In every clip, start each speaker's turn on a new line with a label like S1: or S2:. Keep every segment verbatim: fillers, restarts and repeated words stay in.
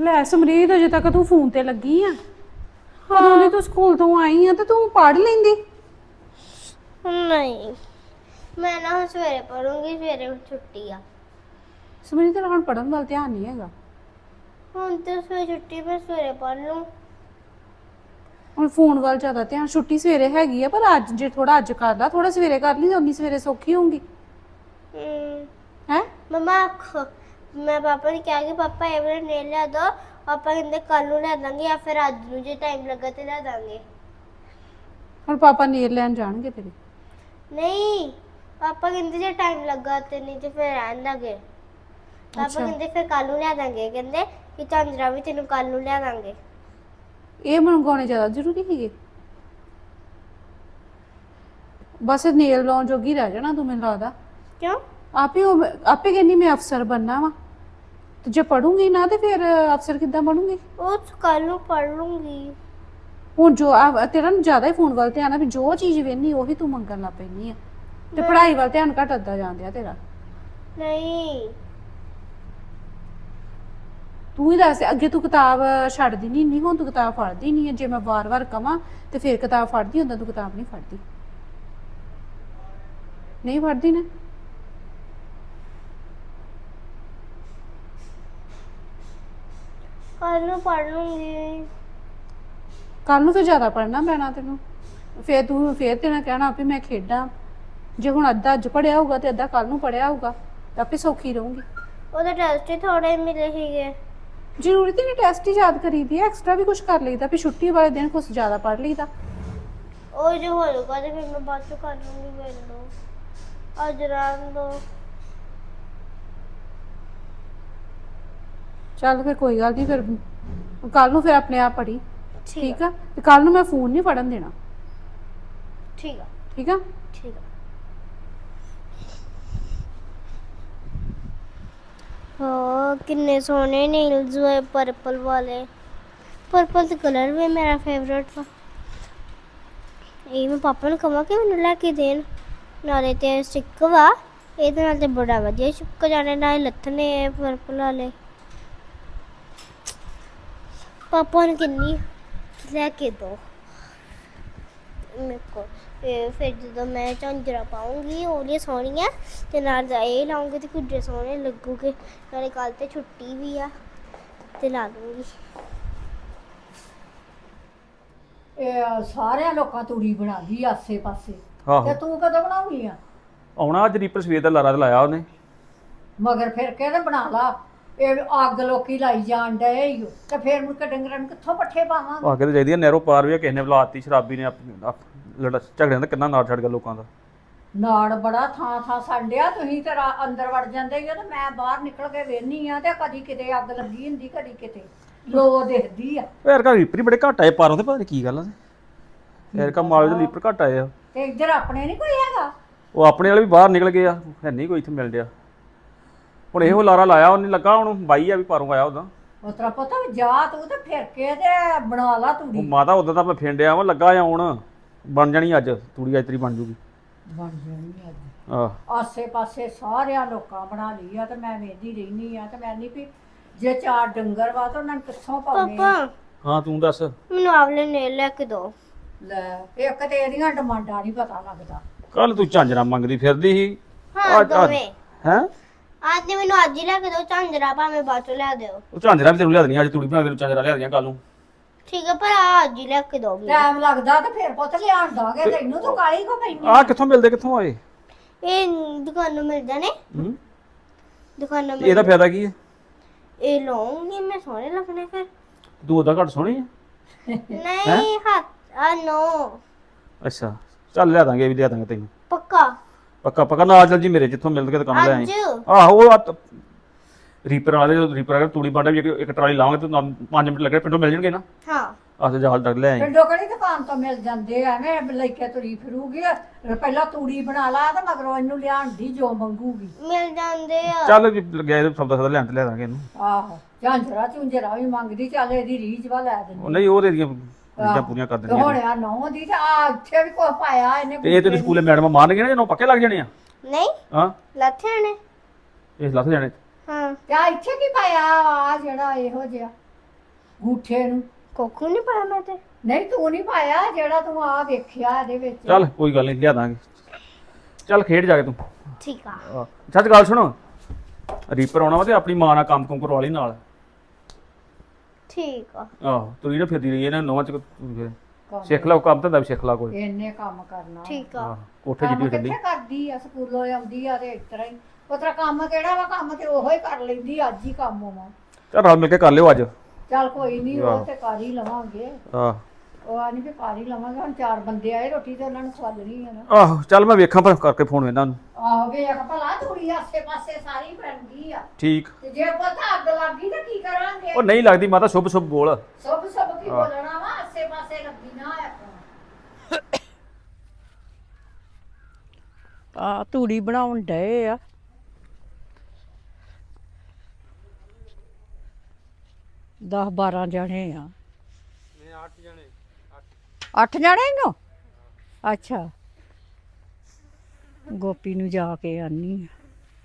S1: ਲੈ ਸਮਰੀਤ ਅਜੇ ਤੱਕ ਤੂੰ ਫੋਨ ਤੇ ਲੱਗੀ ਆ। ਕਦੋਂ ਦੀ ਤੂੰ ਸਕੂਲ ਤੋਂ ਆਈ ਆ ਤੇ ਤੂੰ ਪੜ੍ਹ ਲੈਂਦੀ।
S2: ਨਹੀਂ ਮੈਂ ਨਾ ਹੁਣ ਸਵੇਰੇ ਪੜੂੰਗੀ, ਸਵੇਰੇ ਛੁੱਟੀ ਆ।
S1: ਸਮਰੀਤ ਤੇਰਾ ਹੁਣ ਪੜ੍ਹਨ ਵੱਲ ਧਿਆਨ ਨਹੀਂ ਹੈਗਾ।
S2: ਹੁਣ ਤੇ ਸਵੇਰੇ ਛੁੱਟੀ, ਮੈਂ ਸਵੇਰੇ ਪੜ੍ਹ ਲੂੰ।
S1: ਹੁਣ ਫੋਨ ਵੱਲ ਜ਼ਿਆਦਾ ਧਿਆਨ। ਛੁੱਟੀ ਸਵੇਰੇ ਹੈਗੀ ਆ ਪਰ ਅੱਜ ਜੇ ਥੋੜਾ ਅੱਜ ਕਰ ਲਾ, ਥੋੜਾ ਸਵੇਰੇ ਕਰ ਲਈ, ਉਨੀ ਸਵੇਰੇ ਸੌਖੀ ਹੋਊਗੀ।
S2: ਹੂੰ
S1: ਹੈ
S2: ਮਮਾ ਮੈਂ ਪਾਪਾ ਨੇ ਕਿਹਾ ਕਿ ਪਾਪਾ ਇਹ ਵਾਲਾ ਨੇਲ ਲਿਆ ਦੋ। ਪਾਪਾ ਕਹਿੰਦੇ ਕੱਲ ਨੂੰ ਲੈ ਦਾਂਗੇ ਜਾਂ ਫਿਰ ਅੱਜ ਨੂੰ, ਜੇ ਟਾਈਮ ਲੱਗਾ ਤੇ ਲੈ ਦਾਂਗੇ।
S1: ਹੁਣ ਪਾਪਾ ਨੇਲ ਲੈਣ ਜਾਣਗੇ ਤੇਰੇ?
S2: ਨਹੀਂ ਪਾਪਾ ਕਹਿੰਦੇ ਜੇ ਟਾਈਮ ਲੱਗਾ ਤੇ, ਨਹੀਂ ਤੇ ਫਿਰ ਰਹਿਣ ਦਾਂਗੇ। ਪਾਪਾ ਕਹਿੰਦੇ ਫਿਰ ਕੱਲ ਨੂੰ ਲੈ ਦਾਂਗੇ, ਕਹਿੰਦੇ ਕਿ ਝਾਂਜਰਾ ਵੀ ਤੈਨੂੰ ਕੱਲ ਨੂੰ ਲੈ ਦਾਂਗੇ।
S1: ਇਹ ਮੰਗਵਾਉਣੇ ਜ਼ਿਆਦਾ ਜ਼ਰੂਰੀ ਹੈਗੇ? ਬਸ ਨੇਲ ਲਾਉਣ ਜੋਗੀ ਰਹਿ ਜਾਣਾ ਤੂੰ, ਮੈਨੂੰ ਲੱਗਦਾ।
S2: ਕਿਉਂ?
S1: ਆਪੇ ਉਹ ਆਪੇ ਕਹਿੰਦੀ ਮੈਂ ਅਫਸਰ ਬਣਨਾ ਵਾ, ਤੇ ਜੇ ਪੜੂੰਗੀ ਨਾ ਤੇ ਫਿਰ ਅਫਸਰ ਕਿੱਦਾਂ ਬਣੂੰਗੀ?
S2: ਉਹ ਕੱਲ ਨੂੰ ਪੜ ਲੂੰਗੀ।
S1: ਹੁਣ ਜੋ ਆ ਤੇਰਾ ਨਾ ਜ਼ਿਆਦਾ ਹੀ ਫੋਨ ਵੱਲ ਧਿਆਨ ਆ, ਵੀ ਜੋ ਚੀਜ਼ ਵੇਖਣੀ ਉਹੀ ਤੂੰ ਮੰਗਣ ਲੱਗ ਪੈਂਦੀ ਆ, ਤੇ ਪੜ੍ਹਾਈ ਵੱਲ ਧਿਆਨ ਘਟਦਾ ਜਾਂਦਿਆ ਤੇਰਾ।
S2: ਨਹੀਂ
S1: ਤੂੰ ਹੀ ਦੱਸ, ਅੱਗੇ ਤੂੰ ਕਿਤਾਬ ਛੱਡਦੀ ਨਹੀਂ ਨਹੀਂ ਹੁਣ ਤੂੰ ਕਿਤਾਬ ਫੜਦੀ ਨਹੀਂ ਹੈ। ਜੇ ਮੈਂ ਵਾਰ-ਵਾਰ ਕਵਾਂ ਤੇ ਫਿਰ ਕਿਤਾਬ ਫੜਦੀ, ਹੁੰਦਾ ਤੂੰ ਕਿਤਾਬ ਨਹੀਂ ਫੜਦੀ। ਨਹੀਂ ਫੜਦੀ ਨਾ?
S2: ਕੱਲ ਨੂੰ ਪੜ ਲੂੰਗੀ।
S1: ਕੱਲ ਨੂੰ ਫਿਰ ਜ਼ਿਆਦਾ ਪੜ੍ਹਨਾ ਪੈਣਾ ਤੈਨੂੰ। ਫਿਰ ਤੂੰ ਫਿਰ ਤੇਰਾ ਕਹਿਣਾ ਵੀ ਮੈਂ ਖੇਡਾਂ। ਜੇ ਹੁਣ ਅੱਧਾ ਅੱਜ ਪੜ੍ਹਿਆ ਹੋਊਗਾ ਤੇ ਅੱਧਾ ਕੱਲ ਨੂੰ ਪੜ੍ਹਿਆ ਹੋਊਗਾ ਤਾਂ ਆਪੇ ਸੌਖੀ ਰਹੂੰਗੀ।
S2: ਉਹਦੇ ਟੈਸਟ ਹੀ ਥੋੜੇ ਮਿਲੇ ਸੀਗੇ।
S1: ਜ਼ਰੂਰੀ ਤੇ ਨਹੀਂ ਟੈਸਟ ਹੀ ਯਾਦ ਕਰੀਦੀ ਹੈ, ਐਕਸਟਰਾ ਵੀ ਕੁਝ ਕਰ ਲਈਦਾ, ਵੀ ਛੁੱਟੀ ਵਾਲੇ ਦਿਨ ਕੁਝ ਜ਼ਿਆਦਾ ਪੜ੍ਹ ਲਈਦਾ।
S2: ਉਹ ਜੋ ਹੋਊਗਾ ਤੇ ਫਿਰ ਮੈਂ ਬਾਅਦ ਚੋਂ ਕਰ ਲੂੰਗੀ। ਮੈਨੂੰ ਅੱਜ ਰਹਿਣ ਦੋ।
S1: ਚੱਲ ਫਿਰ ਕੋਈ ਗੱਲ ਨਹੀਂ, ਫਿਰ ਕੱਲ ਨੂੰ ਫਿਰ ਆਪਣੇ ਆਪ ਪੜ੍ਹੀ,
S2: ਠੀਕ
S1: ਠੀਕ ਆ? ਤੇ ਕੱਲ ਨੂੰ ਮੈਂ ਫੋਨ ਨਹੀਂ ਫੜਨ ਦੇਣਾ,
S2: ਠੀਕ ਆ
S1: ਠੀਕ ਆ?
S2: ਠੀਕ ਆ। ਹਾਂ ਕਿੰਨੇ ਸੋਹਣੇ ਨੇਲਸ ਹੋਏ ਪਰਪਲ ਵਾਲੇ। ਪਰਪਲ ਦਾ ਕਲਰ ਵੀ ਮੇਰਾ ਫੇਵਰਟ ਵਾ। ਇਹ ਮੈਂ ਪਾਪਾ ਨੂੰ ਕਹਾਂ ਕਿ ਮੈਨੂੰ ਲੈ ਕੇ ਦੇਣ। ਨਾਲੇ ਤੇ ਸਟਿੱਕ ਵਾ, ਇਹਦੇ ਨਾਲ ਤੇ ਬੜਾ ਵਧੀਆ ਚੁੱਕ ਜਾਣੇ, ਨਾਲੇ ਲੱਥਣੇ ਪਰਪਲ ਵਾਲੇ। ਪਾਪਾ ਨੂੰ ਕਿੰਨੀ ਲੈ ਕੇ ਦੋ ਮੇਰੇ ਕੋਲ। ਤੇ ਫਿਰ ਜਦੋਂ ਮੈਂ ਝਾਂਜਰਾ ਪਾਉਂਗੀ ਉਹਦੀਆਂ ਸੋਹਣੀਆਂ, ਤੇ ਨਾਲ ਇਹ ਲਾਉਂਗੀ ਤੇ ਕੁਝ ਸੋਹਣੇ ਲੱਗੂਗੇ। ਨਾਲੇ ਕੱਲ ਤੇ ਛੁੱਟੀ ਵੀ ਆ ਤੇ ਲਾ ਲੂੰਗੀ।
S3: ਇਹ ਸਾਰਿਆਂ ਲੋਕਾਂ ਤੂੜੀ ਬਣਾ ਲਈ ਆਸੇ ਪਾਸੇ,
S4: ਆਹੋ
S3: ਤੇ ਤੂੰ ਕਦੋਂ ਬਣਾਉਣੀ ਆ?
S4: ਆਉਣਾ ਅੱਜ ਰੀਪਰ ਸਵੇਰ ਦਾ ਲਾਰਾ ਤੇ ਲਾਇਆ ਉਹਨੇ।
S3: ਮਗਰ ਫਿਰ ਕੇ ਤੇ ਬਣਾ ਲਾ। ਇਹ ਅੱਗ ਲੋਕੀ ਲਾਈ ਜਾਣ ਡਏ ਈ ਓ, ਤੇ ਫਿਰ ਮੁੜ ਕੇ ਡੰਗਰਾਂ ਨੂੰ ਕਿੱਥੋਂ ਪੱਠੇ ਪਾਵਾਂਗੇ?
S4: ਆ ਕੇ ਤੇ ਚਾਹੀਦੀ ਆ ਨਹਿਰੋਂ ਪਾਰ ਵੀ ਆ, ਕਿਸੇ ਨੇ ਬੁਲਾਤੀ ਸ਼ਰਾਬੀ ਨੇ ਆਪ- ਆਪ- ਲੜ ਝਗੜਿਆਂ ਦਾ ਕਿੰਨਾ ਨਾੜ ਛੱਡ ਗਿਆ ਲੋਕਾਂ ਦਾ।
S3: ਨਾੜ ਬੜਾ ਥਾਂ ਥਾਂ ਸੰਡਿਆ। ਤੁਸੀਂ ਤੇ ਰਾ- ਅੰਦਰ ਵੜ ਜਾਂਦੇ ਹੀ ਆ ਤੇ ਮੈਂ ਬਾਹਰ ਨਿਕਲ ਕੇ ਵੇਖਨੀ ਆ ਤੇ ਕਦੀ ਕਿਤੇ ਅੱਗ ਲੱਗੀ ਹੁੰਦੀ, ਕਦੀ ਕਿਤੇ ਲੋ ਦਿਖਦੀ ਆ।
S4: ਉਹ ਯਾਰ ਘਰ ਰੀਪਰ ਹੀ ਬੜੇ ਘੱਟ ਆਏ ਪਾਰੋਂ ਤੇ, ਪਤਾ ਨਹੀਂ ਕੀ ਗੱਲ ਆ। ਯਾਰ ਕਾ ਮਾਲੇ ਦੇ ਰੀਪਰ ਘੱਟ ਆਏ ਆ।
S3: ਤੇ ਇੱਧਰ ਆਪਣੇ ਨਹੀਂ ਕੋਈ ਹੈਗਾ?
S4: ਉਹ ਆਪਣੇ ਵਾਲੇ ਵੀ ਬਾਹਰ ਨਿਕਲ ਗਏ ਆ, ਹੈ ਨਹੀਂ ਕੋਈ ਇੱਥੇ ਮਿਲ ਡਿਆ। ਹੁਣ ਇਹੋ ਲਾਰਾ ਲਾਇਆ ਉਹਨੇ, ਲੱਗਾ ਹੁਣ ਬਾਈ ਆ ਵੀ ਪਾਰੋਂ ਆਇਆ ਉਹਦਾ।
S3: ਉਸ ਤਰ੍ਹਾਂ ਪਤਾ ਵੀ ਜਾ ਤੂੰ ਤੇ ਫਿਰ ਕੇ ਤੇ ਬਣਾ ਲਾ
S4: ਉਹ
S3: ਤੂੜੀ।
S4: ਮਾਤਾ ਉਦੋਂ ਤਾਂ ਮੈਂ ਫੇਂਡਿਆ ਵਾ, ਲੱਗਾ ਆਉਣ, ਬਣ ਜਾਣੀ ਅੱਜ ਤੂੜੀ, ਅੱਜ ਤੇਰੀ ਬਣ ਜੂਗੀ।
S3: ਬਣ ਜਾਣੀ ਅੱਜ।
S4: ਆਹ
S3: ਆਸੇ ਪਾਸੇ ਸਾਰਿਆਂ ਲੋਕਾਂ ਬਣਾ ਲਈ ਆ ਤੇ ਮੈਂ ਵੇਖਦੀ ਰਹਿਨੀ ਆ ਤੇ ਮੈਂ ਨਹੀਂ ਵੀ ਜੇ ਚਾਰ ਡੰਗਰ ਵਾ ਤਾਂ ਉਹਨਾਂ ਨੂੰ ਕਿੱਥੋਂ ਪਾਉਣੇ ਆ?
S2: ਪਾਪਾ
S4: ਹਾਂ ਤੂੰ ਦੱਸ।
S2: ਮੈਨੂੰ ਆਵਲੇ ਨੇਲ ਲੈ ਕੇ ਦੋ।
S3: ਲੈ ਇੱਕ ਤੇ ਇਹਦੀਆਂ ਡਿਮਾਂਡਾਂ ਨਹੀਂ ਪਤਾ ਲੱਗਦਾ।
S4: ਕੱਲ ਤੂੰ ਝਾਂਜਰਾ ਮੰਗਦੀ ਫਿਰਦੀ ਸੀ।
S2: ਹਾਂ ਦੋਵੇਂ।
S4: ਹੈ
S2: ਅੱਜ ਤੇ ਮੈਨੂੰ ਅੱਜ ਹੀ ਲੈ ਕੇ ਦੋ ਝਾਂਜਰਾ, ਭਾਵੇਂ ਬਾਅਦ ਚੋਂ ਲੈ ਦਿਓ।
S4: ਉਹ ਝਾਂਜਰਾ ਵੀ ਤੈਨੂੰ ਲਿਆ ਦੇਣੀ, ਅੱਜ ਤੂੜੀ ਬਣਾ ਕੇ ਤੈਨੂੰ ਝਾਂਜਰਾ ਲਿਆ ਦੇਣੀ ਕੱਲ ਨੂੰ।
S2: ਠੀਕ ਹੈ, ਪਰ ਆ ਅੱਜ ਹੀ ਲੈ ਕੇ ਦੋ।
S3: ਟਾਈਮ ਲੱਗਦਾ ਤੇ ਫਿਰ ਪੁੱਤ ਲਿਆਣ ਦਾਂਗੇ। ਤੈਨੂੰ ਤੂੰ ਕਾਲੀ ਕੋ ਪੈਣੀ?
S4: ਆਹ ਕਿੱਥੋਂ ਮਿਲਦੇ, ਕਿੱਥੋਂ ਆਏ?
S2: ਇਹ ਦੁਕਾਨੋਂ ਮਿਲ ਜਾਣੇ।
S4: ਹੂੰ
S2: ਦੁਕਾਨੋਂ ਮਿਲ
S4: ਇਹਦਾ ਫਾਇਦਾ ਕੀ ਹੈ?
S2: ਇਹ ਲਵਾਂਗੀ ਮੈਂ, ਸੋਹਣੇ ਲੱਗਣੇ ਫਿਰ।
S4: ਤੂੰ ਉਹਦਾ ਘੱਟ ਸੋਹਣੀ ਹੈ।
S2: ਨਹੀਂ ਹੱਥ ਆ ਨੋ।
S4: ਅੱਛਾ ਚੱਲ ਲਿਆ ਦਾਂਗੇ, ਇਹ ਵੀ ਲਿਆ ਦਾਂਗੇ ਤੈਨੂੰ
S2: ਪੱਕਾ
S4: ਪੱਕਾ ਪੱਕਾ। ਨਾਲ ਚੱਲ ਜੀ ਮੇਰੇ, ਜਿੱਥੋਂ ਮਿਲ ਕੇ ਦੁਕਾਨ ਲੈ ਆਏ।
S2: ਅੱਜ
S4: ਆਹੋ ਉਹ ਆ- ਰੀਪਰ ਵਾਲੇ ਜਦੋਂ ਰੀਪਰ ਵਾਲੇ ਤੂੜੀ ਬਾਂਡਾ ਵੀ ਇੱਕ ਇੱਕ ਟਰਾਲੀ ਲਾਵਾਂਗੇ ਤੇ ਪੰਜ ਮਿੰਟ ਲੱਗਣੇ, ਪਿੰਡੋਂ ਮਿਲ ਜਾਣਗੇ ਨਾ।
S2: ਹਾਂ
S4: ਆਹ ਤੇ ਜਹਾਲ ਤੱਕ ਲੈ ਆਏ।
S3: ਪਿੰਡੋਂ ਕਿਹੜੀ ਦੁਕਾਨ ਤੋਂ ਮਿਲ ਜਾਂਦੇ ਆ? ਐਵੇਂ ਲੈ ਕੇ ਤੁਰੀ ਫਿਰੂਗੀ। ਪਹਿਲਾਂ ਤੂੜੀ ਬਣਾ ਲਾ ਤੇ ਮਗਰੋਂ ਇਹਨੂੰ ਲਿਆਣ ਦੀ ਜੋ ਮੰਗੂਗੀ।
S2: ਮਿਲ ਜਾਂਦੇ ਆ।
S4: ਚੱਲ ਜੀ ਲੱਗਿਆ ਇਹ ਸੌਦਾ ਸੌਦਾ ਲੈਣ ਤੇ ਲਿਆ ਦਾਂਗੇ ਇਹਨੂੰ।
S3: ਆਹੋ ਝਾਂਜਰਾ ਝੁੰਜਰਾ ਵੀ ਮੰਗਦੀ, ਚੱਲ ਇਹਦੀ ਰੀਝ ਵਾ ਲੈ ਦਿੰਦੀ।
S4: ਉਹ ਨਹੀਂ ਉਹਦੇ ਦੀਆਂ ਰੀਝਾਂ ਪੂਰੀਆਂ ਕਰ
S3: ਤੇ
S4: ਦੇਣੀਆਂ
S3: ਹੁਣ ਆ ਨੌ ਦੀ ਤੇ ਆ ਇੱਥੇ ਵੀ ਕੁਛ ਪਾਇਆ ਇਹਨੇ।
S4: ਤੇ ਇਹ ਤੈਨੂੰ ਸਕੂਲੇ ਮੈਡਮ ਮਾਰਨਗੇ ਨਾ, ਜਦੋਂ ਪੱਕੇ ਲੱਗ ਜਾਣੇ ਆ।
S2: ਨਹੀਂ
S4: ਹਾਂ
S2: ਲੱਥੇ ਨੇ।
S4: ਇਹ ਲੱਥ ਜਾਣੇ।
S2: ਹਾਂ
S3: ਤੇ ਆ ਇੱਥੇ ਕੀ ਪਾਇਆ ਆ ਜਿਹੜਾ ਇਹੋ ਜਿਹਾ? ਗੂਠੇ ਨੂੰ
S2: ਕੋਕੂ ਨਹੀਂ ਪਾਇਆ ਮੈਂ ਤੇ
S3: ਨਹੀਂ ਤੂੰ ਨਹੀਂ ਪਾਇਆ ਜਿਹੜਾ ਤੂੰ ਆ ਵੇਖਿਆ ਇਹਦੇ ਵਿੱਚ
S4: ਚੱਲ ਕੋਈ ਗੱਲ ਨਹੀਂ ਲਿਆ ਦਾਂਗੇ। ਚੱਲ ਖੇਡ ਜਾ ਕੇ ਤੂੰ।
S2: ਠੀਕ ਆ
S4: ਆਹ, ਸੱਚ ਗੱਲ ਸੁਣੋ, ਰੀਪਰ ਆਉਣਾ ਵਾ ਤੇ ਆਪਣੀ ਮਾਂ ਨਾਲ ਕੰਮ ਕੁਮ ਕਰਵਾ ਲਈ ਨਾਲ।
S2: ਠੀਕ ਆ
S4: ਆਹੋ ਤੁਰੀ ਨਾ ਫਿਰਦੀ ਰਹੀ ਇਹਨਾਂ ਨੌਵਾਂ ਚ ਫਿਰ ਸਿੱਖ ਲਾ ਕੰਮ ਧੰਦਾ ਵੀ ਸਿੱਖ ਲਾ ਕੋਈ।
S3: ਇੰਨੇ ਕੰਮ ਕਰਨਾ
S2: ਠੀਕ ਆ
S4: ਆਹ, ਕੋਠੇ
S3: ਕੰਮ
S4: ਜਿੱਡੀ ਠੰਡੀ।
S3: ਕਿੱਥੇ ਕਰਦੀ ਆ ਸਕੂਲੋਂ ਆਉਂਦੀ ਆ ਤੇ ਇਸ ਤਰ੍ਹਾਂ ਹੀ ਉਸ ਤਰ੍ਹਾਂ ਕੰਮ ਕਿਹੜਾ ਵਾ ਕੰਮ ਤੇ ਉਹੋ ਹੀ ਕਰ ਲੈਂਦੀ ਅੱਜ ਹੀ ਕੰਮ ਵਾ
S4: ਚੱਲ ਰਲ ਮਿਲ ਕੇ ਕਰ ਲਿਓ ਅੱਜ।
S3: ਚੱਲ ਕੋਈ ਨਹੀਂ ਉਹ ਤੇ ਕਰ ਹੀ ਲਵਾਂਗੇ
S4: ਆਹ
S3: ਉਹ ਆ ਨਹੀਂ ਵੀ ਕਰ ਹੀ ਲਵਾਂਗੇ ਹੁਣ ਚਾਰ ਬੰਦੇ ਆਏ ਰੋਟੀ ਤੇ ਉਹਨਾਂ ਨੂੰ ਖਵਾਲਣੀ ਆ ਨਾ
S4: ਆਹੋ ਚੱਲ ਮੈਂ ਵੇਖਾਂ ਪਰ ਕਰਕੇ ਫੋਨ ਇਹਨਾਂ ਨੂੰ।
S3: ਆਹੋ ਵੇਖ ਭਲਾ ਤੂੜੀ ਆਸੇ ਪਾਸੇ ਸਾਰੀ ਬਣ ਗਈ ਆ
S4: ਠੀਕ।
S3: ਤੇ ਜੇ ਪਤਾ ਅੱਗ ਲੱਗ ਗਈ ਤਾਂ ਕੀ ਕਰਾਂਗੇ
S4: ਉਹ ਨਹੀਂ ਲੱਗਦੀ ਮਾਤਾ, ਸ਼ੁਭ ਸ਼ੁਭ ਬੋਲ।
S3: ਸਭ ਸਭ ਕੀ ਬੋਲਣਾ ਵਾ ਆਸੇ ਪਾਸੇ ਲੱਗੀ ਨਾ ਹੋਇਆ
S5: ਆ ਤੂੜੀ ਬਣਾਉਣ ਡਏ ਆ। ਦਸ ਬਾਰਾਂ ਜਣੇ ਆ। ਮੈਂ ਅੱਠ ਜਣੇ। ਅੱਠ ਜਣੇ ਹੋ? ਅੱਛਾ ਗੋਪੀ ਨੂੰ ਜਾ ਕੇ ਆਨੀ ਆ।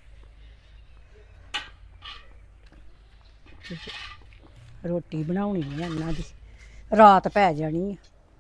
S5: ਰੋਟੀ ਬਣਾਉਣੀ ਆ ਇਹਨਾਂ ਦੀ, ਰਾਤ ਪੈ ਜਾਣੀ ਆ।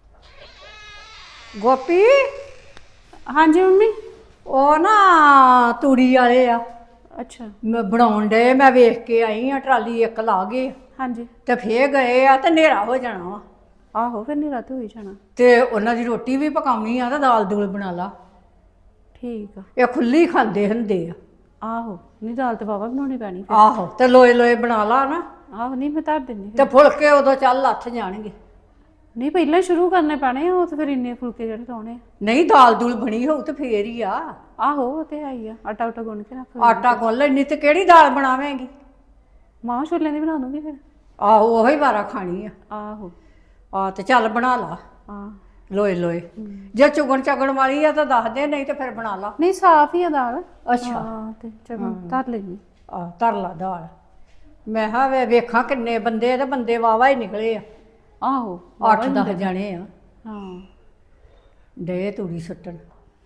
S3: ਗੋਪੀ
S1: ਹਾਂਜੀ ਮੰਮੀ।
S3: ਉਹ ਨਾ ਤੂੜੀ ਵਾਲੇ ਆ
S1: ਅੱਛਾ।
S3: ਮੈਂ ਬਣਾਉਣ ਡਏ ਮੈਂ ਵੇਖ ਕੇ ਆਈ ਆ ਟਰਾਲੀ ਇੱਕ ਲਾ ਗਏ
S1: ਹਾਂਜੀ
S3: ਤੇ ਫੇਰ ਗਏ ਆ ਤੇ ਹਨੇਰਾ ਹੋ ਜਾਣਾ ਵਾ
S1: ਆਹੋ ਫਿਰ ਨਹੀਂ ਰਾਤ ਹੋਈ ਜਾਣਾ।
S3: ਤੇ ਉਹਨਾਂ ਦੀ ਰੋਟੀ ਵੀ ਪਕਾਉਣੀ ਆ ਤੇ ਦਾਲ ਦੂਲ ਬਣਾ ਲਾ।
S1: ਠੀਕ ਆ।
S3: ਇਹ ਖੁੱਲੀ ਖਾਂਦੇ ਹੁੰਦੇ ਆ।
S1: ਆਹੋ ਨਹੀਂ ਦਾਲ ਤੇ ਬਾਬਾ ਬਣਾਉਣੀ ਪੈਣੀ ਫਿਰ।
S3: ਆਹੋ ਤੇ ਲੋਏ ਲੋਏ ਬਣਾ ਲਾ ਨਾ
S1: ਆਹੋ ਨਹੀਂ ਮੈਂ ਧਰ ਦਿੰਦੀ
S3: ਤੇ ਫੁਲਕੇ ਉਦੋਂ ਚੱਲ ਲੱਥ ਜਾਣਗੇ।
S1: ਨਹੀਂ ਪਹਿਲਾਂ ਹੀ ਸ਼ੁਰੂ ਕਰਨੇ ਪੈਣੇ ਆ, ਉਹ ਤੇ ਫਿਰ ਇੰਨੇ ਫੁਲਕੇ ਜਿਹੜੇ ਲਾਉਣੇ ਆ।
S3: ਨਹੀਂ ਦਾਲ ਦੂਲ ਬਣੀ ਹੋਊ ਤੇ ਫੇਰ ਹੀ ਆ।
S1: ਆਹੋ ਉਹ ਤੇ ਹੈ ਹੀ ਆ, ਆਟਾ ਉਟਾ ਗੁੰਨ ਕੇ ਰੱਖ
S3: ਆਟਾ ਗੁੰਨ ਲੈਣੀ ਤੇ ਕਿਹੜੀ ਦਾਲ ਬਣਾਵੇਂਗੀ?
S1: ਮਾਂ ਛੋਲਿਆਂ ਦੀ ਬਣਾ ਦੂੰਗੀ ਫਿਰ।
S3: ਆਹੋ ਉਹੀ ਵਾਰਾ ਖਾਣੀ ਆ।
S1: ਆਹੋ
S3: ਆ ਤੇ ਚੱਲ ਬਣਾ ਲਾ
S1: ਹਾਂ
S3: ਲੋਏ ਲੋਏ। ਜੇ ਚੁਗਣ ਚਗਣ ਵਾਲੀ ਆ ਤਾਂ ਦੱਸ ਦੇ, ਨਹੀਂ ਤੇ ਫਿਰ ਬਣਾ ਲਾ।
S1: ਨਹੀਂ ਸਾਫ ਹੀ ਆ ਦਾਲ।
S3: ਅੱਛਾ
S1: ਹਾਂ ਤੇ ਚਲੋ ਧਰ ਲੈਣੀ।
S3: ਆ ਧਰ ਲਾ ਦਾਲ। ਮੈਂ ਹਾਂ ਵੇ ਵੇਖਾਂ ਕਿੰਨੇ ਬੰਦੇ ਆ ਤੇ ਬੰਦੇ ਵਾਵਾ ਹੀ ਨਿਕਲੇ ਆ।
S1: ਆਹੋ
S3: ਅੱਠ ਦਸ ਜਾਣੇ ਆ।
S1: ਹਾਂ
S3: ਡੇ ਤੂੜੀ ਸੁੱਟਣ।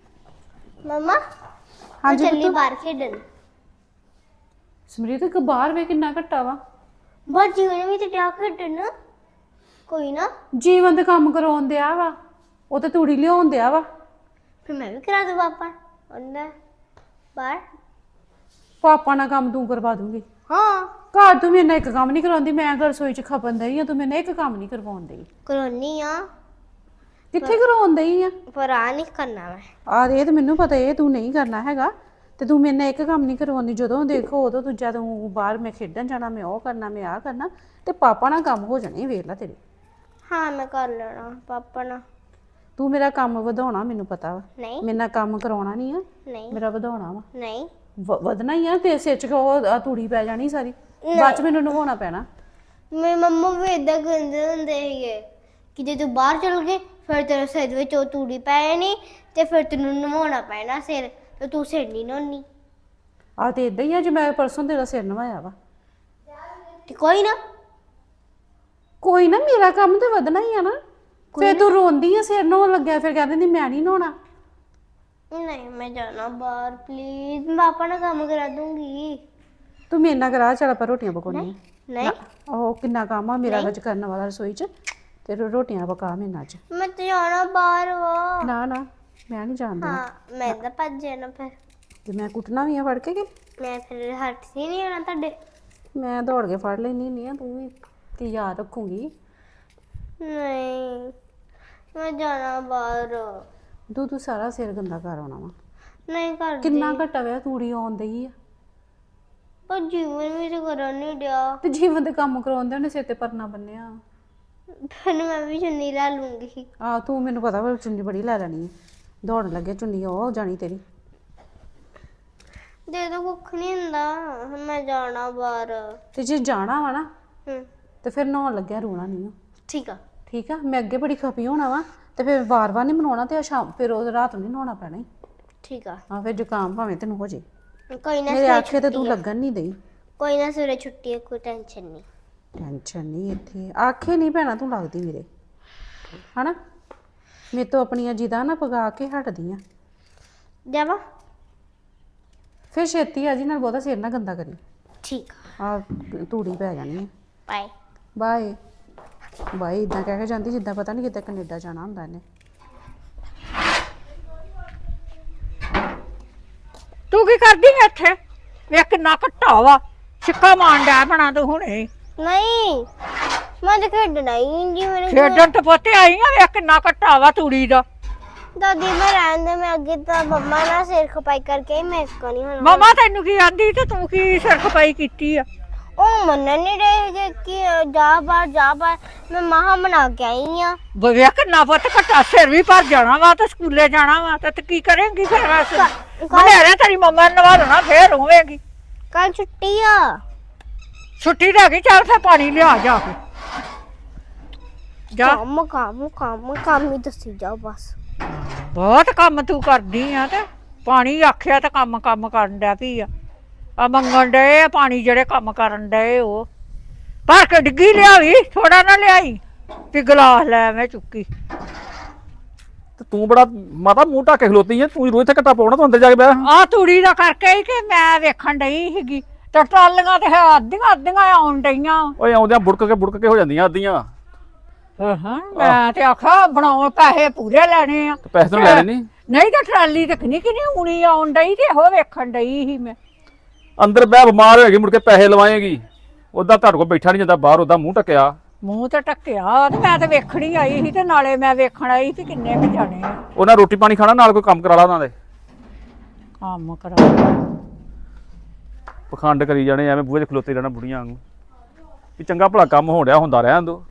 S2: ਮਮਾ
S1: ਹਾਂਜੀ
S2: ਚੱਲੀ ਬਾਹਰ ਖੇਡਣ।
S1: ਸਮਰੀਤ ਇੱਕ ਬਾਹਰ ਵੇ ਕਿੰਨਾ ਘੱਟਾ ਵਾ।
S2: ਬਾਹਰ ਜੀਵਨ ਵੀ ਤੇ ਡਿਆ ਖੇਡਣ ਕੋਈ ਨਾ
S1: ਜੀਵਨ ਦੇ ਕੰਮ ਕਰਾਉਣ ਦਿਆ ਵਾ, ਉਹ ਤੇ ਤੂੜੀ ਲਿਆਉਣ ਦਿਆ ਵਾ।
S2: ਫਿਰ ਮੈਂ ਵੀ ਕਰਾ ਦੂੰ ਪਾਪਾ ਉਹਨਾਂ ਬਾਹਰ।
S1: ਪਾਪਾ ਨਾਲ ਕੰਮ ਤੂੰ ਕਰਵਾ ਦੂੰਗੀ।
S2: ਹਾਂ
S1: ਘਰ ਤੂੰ ਮੇਰੇ ਨਾਲ ਇੱਕ ਕੰਮ ਨਹੀਂ ਕਰਾਉਂਦੀ, ਮੈਂ ਘਰ ਰਸੋਈ ਚ ਖਪਣ ਦਈ ਆ, ਤੂੰ ਮੇਰੇ ਨਾਲ ਇੱਕ ਕੰਮ ਨਹੀਂ ਕਰਵਾਉਣ ਦਈ।
S2: ਕਰੋਨੀ ਆ
S1: ਕਿੱਥੇ ਕਰਾਉਣ ਦਈ ਆ?
S2: ਪਰ ਆ ਨਹੀਂ ਕਰਨਾ ਮੈਂ।
S1: ਆ ਇਹ ਤੇ ਮੈਨੂੰ ਪਤਾ ਇਹ ਤੂੰ ਨਹੀਂ ਕਰਨਾ ਹੈਗਾ, ਤੇ ਤੂੰ ਮੇਰੇ ਨਾਲ ਇੱਕ ਕੰਮ ਨਹੀਂ ਕਰਵਾਉਂਦੀ। ਜਦੋਂ ਦੇਖੋ ਉਦੋਂ ਤੂੰ ਜਦ ਤੂੰ ਬਾਹਰ ਮੈਂ ਖੇਡਣ ਜਾਣਾ, ਮੈਂ ਉਹ ਕਰਨਾ, ਮੈਂ ਆਹ ਕਰਨਾ, ਤੇ ਪਾਪਾ ਨਾਲ ਕੰਮ ਹੋ ਜਾਣੇ ਵੇਖ ਲੈ ਤੇਰੇ।
S2: ਹਾਂ ਮੈਂ ਕਰ ਲੈਣਾ ਪਾਪਾ ਨਾਲ।
S1: ਤੂੰ ਮੇਰਾ ਕੰਮ ਵਧਾਉਣਾ, ਮੈਨੂੰ ਪਤਾ ਵਾ।
S2: ਨਹੀਂ
S1: ਮੇਰੇ ਨਾਲ ਕੰਮ ਕਰਾਉਣਾ ਨਹੀਂ ਆ,
S2: ਨਹੀਂ
S1: ਮੇਰਾ ਵਧਾਉਣਾ ਵਾ।
S2: ਨਹੀਂ
S1: ਵ- ਵਧਣਾ ਹੀ ਆ ਤੇ ਸਿਰ ਚ ਉਹ ਆਹ ਤੂੜੀ ਪੈ ਜਾਣੀ ਸਾਰੀ, ਬਾਅਦ ਚ ਮੈਨੂੰ ਨਵਾਉਣਾ ਪੈਣਾ।
S2: ਮੇਰੇ ਮੰਮਾ ਵੀ ਏਦਾਂ ਕਹਿੰਦੇ ਹੁੰਦੇ ਸੀਗੇ ਕਿ ਜੇ ਤੂੰ ਬਾਹਰ ਚਲ ਗਏ ਫਿਰ ਤੇਰੇ ਸਿਰ ਵਿੱਚ ਉਹ ਤੂੜੀ ਪੈ ਜਾਣੀ ਤੇ ਫਿਰ ਤੈਨੂੰ ਨਵਾਉਣਾ ਪੈਣਾ ਸਿਰ, ਤੇ ਤੂੰ ਸਿਰ ਨਹੀਂ ਨਹਾਉਣੀ।
S1: ਆ ਤੇ ਇਦਾਂ ਹੀ ਆ, ਜੇ ਮੈਂ ਪਰਸੋਂ ਤੇਰਾ ਸਿਰ ਨਵਾਇਆ ਵਾ।
S2: ਤੇ ਕੋਈ ਨਾ
S1: ਕੋਈ ਨਾ, ਮੇਰਾ ਕੰਮ ਤੇ ਵਧਣਾ ਹੀ ਆ ਨਾ। ਫਿਰ ਤੂੰ ਰੋਂਦੀ ਆ ਸਿਰ ਨਹਾਉਣ ਲੱਗਿਆ, ਫਿਰ ਕਹਿੰਦੀ ਨਹੀਂ ਮੈਂ ਨਹੀਂ ਨਹਾਉਣਾ।
S2: ਨਹੀਂ ਮੈਂ ਜਾਣਾ ਬਾਹਰ ਪਲੀਜ਼, ਮੈਂ ਪਾਪਾ ਨਾਲ ਕੰਮ ਕਰਾ ਦੂੰਗੀ।
S1: ਤੂੰ ਮੇਰੇ ਨਾਲ ਕਰਾ, ਚੱਲ ਆਪਾਂ ਰੋਟੀਆਂ ਪਕਾਉਣੀਆਂ।
S2: ਨਹੀਂ
S1: ਉਹ ਕਿੰਨਾ ਕੰਮ ਆ ਮੇਰਾ ਵਿੱਚ ਕਰਨ ਵਾਲਾ ਰਸੋਈ ਚ, ਤੇ ਰੋ- ਰੋਟੀਆਂ ਪਕਾ ਮੇਰੇ ਨਾਲ ਚ।
S2: ਮੈਂ ਤੇ ਜਾਣਾ ਬਾਹਰ ਵਾ।
S1: ਨਾ ਨਾ ਮੈਂ ਨਹੀਂ ਜਾਣਦੀ,
S2: ਹਾਂ ਮੈਂ ਤਾਂ ਭੱਜ ਜਾਣਾ ਫਿਰ।
S1: ਤੇ ਮੈਂ ਕੁੱਟਣਾ ਵੀ ਆ ਫੜ ਕੇ ਕਿ
S2: ਮੈਂ ਫਿਰ ਹੱਥ ਹੀ ਨਹੀਂ ਆਣਾ ਤੁਹਾਡੇ।
S1: ਮੈਂ ਦੌੜ ਕੇ ਫੜ ਲੈਣੀ ਨਹੀਂ ਆ, ਤੂੰ ਵੀ ਕੀ ਯਾਦ ਰੱਖੂਗੀ।
S2: ਨਹੀਂ ਮੈਂ ਜਾਣਾ ਬਾਹਰ।
S1: ਤੂੰ ਤੂੰ ਸਾਰਾ ਸਿਰ ਗੰਦਾ ਕਰ ਆਉਣਾ ਵਾ।
S2: ਨਹੀਂ ਕਰ
S1: ਕਿੰਨਾ ਘਟਾ ਵੇ ਤੂੜੀ ਆਉਣ ਦਈ ਆ,
S2: ਪਰ ਜੀਵਨ ਵੀ ਤੇ ਕਰਨ ਨਹੀਂ ਡਿਆ।
S1: ਤੇ ਜੀਵਨ ਦੇ ਕੰਮ ਕਰਾਉਂਦੇ ਉਹਨੇ ਸਿਰ ਤੇ ਪਰਨਾ ਬੰਨਿਆ।
S2: ਫਿਰ ਮੈਂ ਵੀ ਚੁੰਨੀ ਲੈ ਲੂੰਗੀ।
S1: ਆ ਤੂੰ ਮੈਨੂੰ ਪਤਾ ਵਾ ਚੁੰਨੀ ਬੜੀ ਲੈ ਲੈਣੀ ਹੈ, ਦੌੜਨ ਲੱਗੇ ਚੁੰਨੀ ਉਹ ਹੋ ਜਾਣੀ ਤੇਰੀ।
S2: ਦੇ ਤਾਂ ਕੁੱਖ ਨਹੀਂ ਹੁੰਦਾ, ਹੁਣ ਮੈਂ ਜਾਣਾ ਬਾਹਰ।
S1: ਤੇ ਜੇ ਜਾਣਾ ਵਾ ਨਾ
S2: ਹੂੰ
S1: ਤੇ ਫਿਰ ਨਹਾਉਣ ਲੱਗਿਆ ਰੋਣਾ ਨਹੀਂ ਆ,
S2: ਠੀਕ ਆ।
S1: ਠੀਕ ਆ। ਮੈਂ ਅੱਗੇ ਬੜੀ ਖਪੀ ਹੋਣਾ ਵਾ, ਤੇ ਫਿਰ ਵਾਰ-ਵਾਰ ਨਹੀਂ ਮਨਾਉਣਾ, ਤੇ ਸ਼ਾਮ ਫਿਰ ਉਹ ਰਾਤ ਨੂੰ ਨਹੀਂ ਨਹਾਉਣਾ ਪੈਣਾ ਈ।
S2: ਠੀਕ ਆ
S1: ਹਾਂ ਫਿਰ ਜ਼ੁਕਾਮ ਭਾਵੇਂ ਤੈਨੂੰ ਹੋ ਜੇ।
S2: ਕੋਈ ਨਾ
S1: ਮੇਰੇ
S2: ਸਵੇਰੇ
S1: ਆਖੇ ਤੇ ਤੂੰ
S2: ਛੁੱਟੀ ਆ।
S1: ਲੱਗਣ ਨਹੀਂ ਦਈ।
S2: ਕੋਈ ਨਾ ਸਵੇਰੇ ਛੁੱਟੀ ਹੈ, ਕੋਈ ਟੈਨਸ਼ਨ ਨਹੀਂ।
S1: ਟੈਨਸ਼ਨ ਨਹੀਂ ਇੱਥੇ, ਆਖੇ ਨਹੀਂ ਭੈਣਾ ਤੂੰ ਲੱਗਦੀ ਮੇਰੇ, ਹਨਾ। ਮੇਰੇ ਤੋਂ ਆਪਣੀਆਂ ਜਿੱਦਾਂ ਨਾ ਪਗਾ ਕੇ ਹਟਦੀ ਆ।
S2: ਜਾਵਾ
S1: ਫਿਰ ਛੇਤੀ ਆ ਜੀ, ਨਾਲ ਬਹੁਤਾ ਸਿਰ ਨਾ ਗੰਦਾ ਕਰੀ।
S2: ਠੀਕ ਆ
S1: ਆ ਤੂੜੀ ਪੈ ਜਾਣੀ ਹੈ।
S2: ਬਾਏ।
S1: ਬਾਏ। ਬਾਈ ਇਦਾਂ ਕਹਿ ਕੇ ਜਾਂਦੀ ਜਿੱਦਾਂ ਪਤਾ ਨਹੀਂ ਕਿਤੇ ਕੈਨੇਡਾ ਜਾਣਾ ਹੁੰਦਾ ਇਹਨੇ।
S5: ਤੂੰ ਕੀ ਕਰਦੀ ਐ ਇੱਥੇ? ਵੇਖ ਕਿੰਨਾ ਘੱਟਾ ਵਾ, ਛਿੱਕਾ ਮਾਰਨ ਡਿਆ ਬਣਾ ਤੂੰ ਹੁਣੇ।
S2: ਨਹੀਂ ਮੈਂ ਤਾਂ ਖੇਡਣਾ ਹੀ ਜੀ ਮੇਰੇ
S5: ਖੇਡਣ ਤੇ ਪੋਤੇ ਆਈ ਆ, ਵੇਖ ਕਿੰਨਾ ਘੱਟਾ ਵਾ ਤੂੜੀ ਦਾ।
S2: ਦਾਦੀ ਮੈਂ ਰਹਿਣ ਦੇ, ਮੈਂ ਅੱਗੇ ਤਾਂ ਮੰਮਾ ਨਾਲ ਸਿਰ ਖਪਾਈ ਕਰਕੇ ਹੀ ਮੈਂ ਕੋ ਨਹੀਂ ਹੁਣ
S5: ਮਮਾ ਤੈਨੂੰ ਕੀ ਆਂਦੀ ਤੇ ਤੂੰ ਕੀ ਸਿਰ ਖਪਾਈ ਕੀਤੀ ਆ?
S2: ਉਹ ਮੰਨਣ ਨਹੀਂ ਰਹੇ ਜੇ ਕਿ ਜਾ ਬਾਹਰ ਜਾ ਬਾਹਰ, ਮੈਂ ਮਹਾ ਬਣਾ ਕੇ ਆਈ ਆ।
S5: ਵੇਖ ਕਿੰਨਾ ਪੁੱਤ ਘੱਟਾ, ਸਿਰ ਵੀ ਭਰ ਜਾਣਾ ਵਾ ਤੇ ਸਕੂਲੇ ਜਾਣਾ ਵਾ ਤੇ ਤੇ ਕੀ ਕਰੇਂਗੀ ਫਿਰ? ਵੈਸੇ ਮਨੇਰੇ ਤੇਰੀ ਮੰਮਾ ਨੂੰ ਨਵਾਲਣਾ ਫੇਰ ਹੋਵੇਗੀ।
S2: ਕੱਲ ਛੁੱਟੀ ਆ।
S5: ਛੁੱਟੀ ਲੈ ਗਈ, ਚੱਲ ਫੇ ਪਾਣੀ ਲਿਆ ਜਾ ਕੇ ਜਾ।
S2: ਕੰਮ ਕੰਮ ਕੰਮ ਕੰਮ ਹੀ ਦੱਸੀ ਜਾਓ ਬਸ।
S5: ਬਹੁਤ ਕੰਮ ਤੂੰ ਕਰਦੀ ਆ ਤੇ ਪਾਣੀ ਆਖਿਆ ਤੇ ਕੰਮ ਕੰਮ ਕਰਨ ਡਿਆ ਪਈ ਆ। ਆ ਮੰਗਣ ਡਏ ਆ ਪਾਣੀ, ਜਿਹੜੇ ਕੰਮ ਕਰਨ ਡਏ ਉਹ ਭਰ ਕੇ ਡਿੱਗੀ ਲਿਆਵੀ, ਥੋੜਾ ਨਾ ਲਿਆਈ ਵੀ ਗਲਾਸ ਲੈ ਐਵੇਂ ਚੁੱਕੀ।
S4: ਤੇ ਤੂੰ ਬੜਾ ਮਾਤਾ ਮੂੰਹ ਢੱਕ ਕੇ ਖਲੋਤੀ ਐ, ਤੂੰ ਰੋਜ਼ ਇੱਥੇ ਘੱਟਾ ਪਾਉਣਾ, ਤੂੰ ਅੰਦਰ ਜਾ ਕੇ ਬਹਿ।
S5: ਆ ਤੂੜੀ ਦਾ ਕਰਕੇ ਹੀ ਕਿ ਮੈਂ ਵੇਖਣ ਡਈ ਸੀਗੀ ਤੇ ਟਰਾਲੀਆਂ ਤੇ ਅੱਧੀਆਂ ਅੱਧੀਆਂ ਆਉਣ ਡਈਆਂ।
S4: ਓਏ ਆਉਂਦਿਆਂ ਬੁੜਕ ਕੇ ਬੁੜਕ ਕੇ ਹੋ ਜਾਂਦੀਆਂ ਅੱਧੀਆਂ।
S5: ਹਾਂ ਮੈਂ ਤੇ ਆਖਾ ਬਣਾਉਣ ਪੈਸੇ ਪੂਰੇ ਲੈਣੇ ਆ
S4: ਤੇ ਪੈਸੇ ਤਾਂ ਲੈਣੇ ਨਹੀਂ।
S5: ਨਹੀਂ ਤਾਂ ਟਰਾਲੀ ਤੇ ਕਿੰਨੀ ਕਿੰਨੀ ਉਣੀ ਆਉਣ ਡਈ ਤੇ ਉਹ ਵੇਖਣ ਡਈ ਸੀ ਮੈਂ।
S4: ਅੰਦਰ ਬਹਿ, ਬਿਮਾਰ ਹੋਏਗੀ ਮੁੜ ਕੇ ਪੈਸੇ ਲਵਾਏਗੀ। ਉਦਾਂ ਤੁਹਾਡੇ ਕੋਲ ਬੈਠਾ ਨਹੀਂ ਜਾਂਦਾ ਬਾਹਰ, ਉਦਾਂ ਮੂੰਹ ਢੱਕਿਆ।
S5: ਮੂੰਹ ਤੇ ਢੱਕਿਆ ਤੇ ਮੈਂ ਤੇ ਵੇਖਣੀ ਆਈ ਸੀ ਤੇ ਨਾਲੇ ਮੈਂ ਵੇਖਣ ਆਈ ਸੀ ਕਿੰਨੇ ਕੁ ਜਾਣੇ ਆ।
S4: ਉਹਨਾਂ ਰੋਟੀ ਪਾਣੀ ਖਾਣਾ, ਨਾਲ ਕੋਈ ਕੰਮ ਕਰਾ ਲਾ ਉਹਨਾਂ ਦੇ।
S5: ਕੰਮ ਕਰਾ
S4: ਪਖੰਡ ਕਰੀ ਜਾਣੇ ਐਵੇਂ ਬੂਹੇ 'ਚ ਖਲੋਤੇ ਰਹਿਣਾ ਬੁੜੀਆਂ ਵਾਂਗੂ। ਵੀ ਚੰਗਾ ਭਲਾ ਕੰਮ ਹੋਣ ਡਿਆ, ਹੁੰਦਾ ਰਹਿਣ ਦੋ।